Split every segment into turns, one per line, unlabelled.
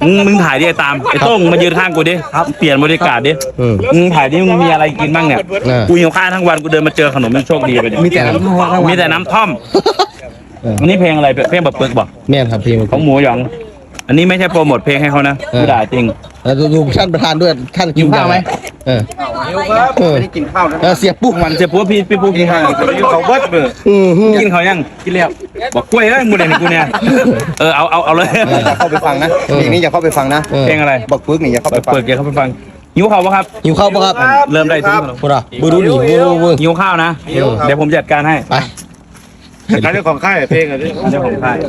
มึงถ่ายดิตามไอ้โต้งมายืนข้างกูดิเปลี่ยนบรรยากาศดิมึงถ่ายดิมึงมีอะไรกินบ้างเนี่ยกูหิวข้าวทั้งวันกูเดินมาเจอขนมมันโชคดีไปดิมีแต่น้ำท่อมอันนี้เพลงอะไรเพลงแบบปึกบอก
แม่ครับเพลง
ของหมูหยองอันนี้ไม่ใช่โปรโมทเพลงให้เขานะกูด่าจริง
แล้วดูท่านประธานด้วยท่านกินข้าวไหม
ไม่ได้กินข้าวนะ
เสียปุ๊บ
มันเสียปุ๊บพี่ปุ๊บกินข้าวเขาเบิร์ดเบอร์กินเขายังกินแล้วบอกกล้วยแล้วมูเดนกูเนี่ยเอาเลย
อย่าเข้าไปฟังนะเพลงนี้อย่าเข้าไปฟังนะ
เพลงอะไร
บอกปึ๊กนี่อย่าเข้าไปฟัง
อย่าเข้าไปฟังหิวข้าวปะครับ
หิวข้าวปะครับ
เริ่มได้ทุกคน
พูดอ่ะบูดูดิ
หิวข้าวนะเดี๋ยวผมจัดการให้
ไป
การเรื่องของค่ายเพลงอะไร
เรื่องของค่าย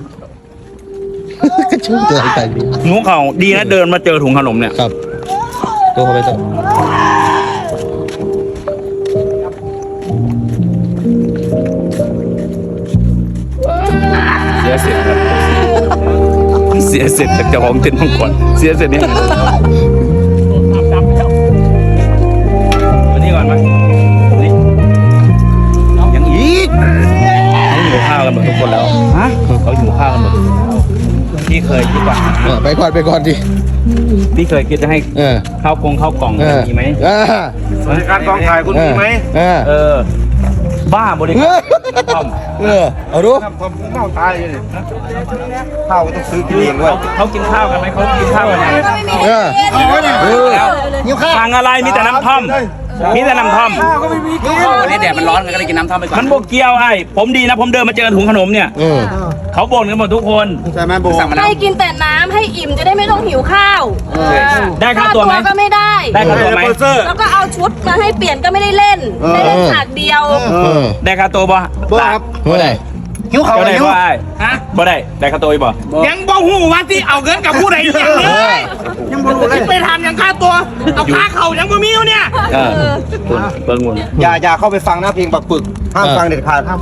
ก็ชุ่มตัวใจดี
หิวข้าวดีนะเดินมาเจอถุงขนมเนี่ย
ครับตัวเขาไปตัว
เสียเสร็จครับเสียเสร็จจากเจ้าของเต็นท์มังกรเสียเสร็จนี่วันนี้ก่อนไหมนี่ยังอีกเขาหิวข้าวกันหมดทุกคนแล้วฮะเขาหิวข้าวกันหมดพี่เคยคิดว่า
ไปก่อนดิ
พี่เคยคิดจะให้ข้าวกล่องมีไหม
บริการกองถ่ายคุณมีไหม
บ้าบริการ
เอาดู
ผมเมาตายเลยข้าวต้องซื้อกินเองด้วย
เขากินข้าวกันไหมเขากินข้าวกันยังสั่งอะไรมีแต่น้ำท่อมมีแต่น้ำท่อม
วันนี้แดดมันร้อนก็เลยกินน้ำท่อมไปก่อน
มันโบเกียวไอ้ผมดีนะผมเดินมาเจอถุงขนมเนี่ยเขาบ่นกันหมดทุกคน
ใช่ไหมโบ
ให้กินแต่น้ำให้อิ่มจะได้ไม่ต้องหิวข้าว
ได้ค่าตัวไหม
ก็ไม่ได้
ได้ค่าตัวไหม
แล้วก็เอาชุดมาให้เปลี่ยนก็ไม่ได้เล่นได้เล่นฉากเดียว
ได้ค่าตัวป่ะ
ครับ
บ่ได้
หิวเขา
ได้ป่ะฮะบ่ได้ค่าตัวป่ะ
ยังบ่หูว่าที่เอาเงินกับผู้ใดอย่างเลยยังบ่รู้เลยไปทำยังค่าตัวเอาค่าเขายังบ่มีอยู่เนี่ย
เบิ้งวน
อย่าเข้าไปฟังนะเพลงบักปึกห้ามฟังเด็ดขาดห้าม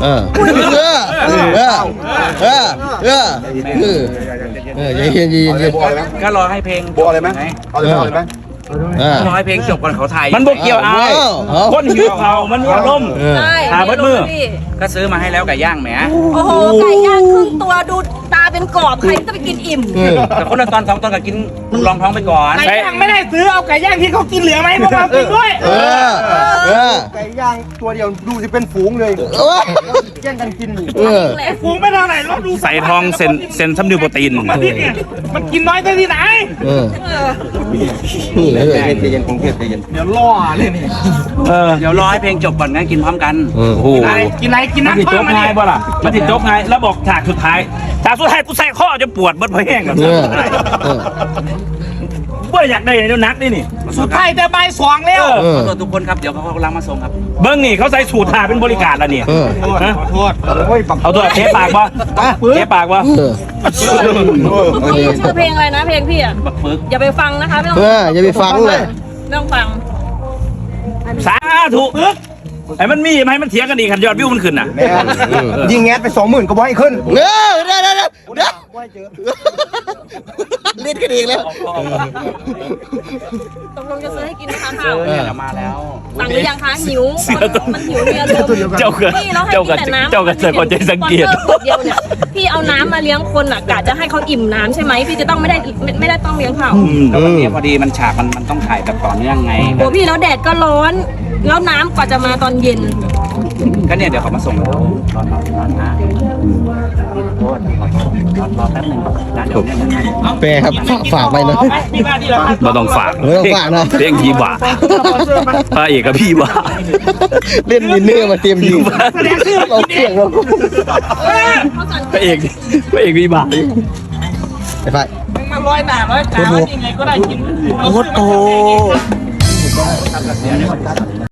เย็น
ก็รอให้เพลง
โบอะไรไหมเอาเลยไหม
รอให้เพลงจบก่อนเขาถ่าย
มันโบเกียวเอาคนหิวเขามันมีอารมณ์หาเบิดมือ
ก็ซื้อมาให้แล้วไก่ย่างแหม
โอ้โหไก่ย่างครึ่งตัวดูตาเป็นกรอบใครจะไปกินอิ่ม
แต่คนละตอน2 ตอนก็กินรองท้องไปก่อน
ไก่ย่างไม่ได้ซื้อเอาไก่ย่างที่เขากินเหลือไหมพวกเรากินด้วย
ไก่ย่างตัวเดียวดูสิเป็นฝูงเลยแย่งกันกิน
ฝูงไม่เท่าไหร่เราดูใส่ทองเซนซัมดิวโปรตีนมันกินน้อยได้ที่ไหน
ใจเย็นคงเทศใจเย็น
เดี๋ยวล่อเลยนี่
เดี๋ยวรอให้เพลงจบก่อนงั้นกินพร้อมกัน
โอ้โหกินน้ำจบไงบ่ล่ะมันติดจบไงแล้วบอกฉากสุดท้ายกูใส่ข้อจะปวดบดเพลงกันเบื่ออยากได้เดี๋ยวนักนี่
สุดท้ายจะใบสองแล้วขอโทษทุกคนครับเดี๋ยวเขากำลังมาส่งครับ
เบิ้งนี่เขาใส่สูตรถ่าเป็นบริการแล้วเนี่ย
ขอโทษ
เอาตัวเทปากบ่เทปากบ่
ชื่อเพลงอะไรนะเพลงพี่อ่ะอย่าไปฟังนะคะไม่ต้อง
อย่าไปฟังเลย
ไม่ต้องฟัง
สาธุไอ้มันมีไหมมันเถียงกันอีกขันยอดวิวมันขึ้นน่ะ
ยิงแงสไป20,000ก็บ่ให้ขึ้น
ได้เล่นกันเองแล้ว
ตกลงจะซื้อให้กินนะคะข้าว
มาแล้ว
สั่งหรือยังคะหิวมันหิวเรียน
เจ้าก็เจอคนใจสังเกต
เดียวเนี่ยพี่เอาน้ำมาเลี้ยงคนอ่ะกะจะให้เขาอิ่มน้ำใช่ไหมพี่จะต้องไม่ได้ต้องเลี้ยงเขา
แล้ววันนี้พอดีมันฉากมันต้องถ่ายแบบต่อเนื่องไง
โอ้พี่แล้วแดดก็ร้อนแล้วน้ำกว่าจะมาตอนเย็น
ก็เนี่ยเดี๋ยวเขามาส่งแล้วรอนะรอแป๊บนึงนะเดี๋ยวเนี่ย
แปรครับฝากไปนะ
เราต้องฝาก
นะ
เรื่องพี่บ่าพระเอกกับพี่บ่า
เล่นวินเนอร์มาเตรียมยิงเราเก่งเรา
พระเอกพี่บ่า
ไอ้ฝ่าย
มา100 บาท100 บาทยังไงก็ได้กิน
โอ้โห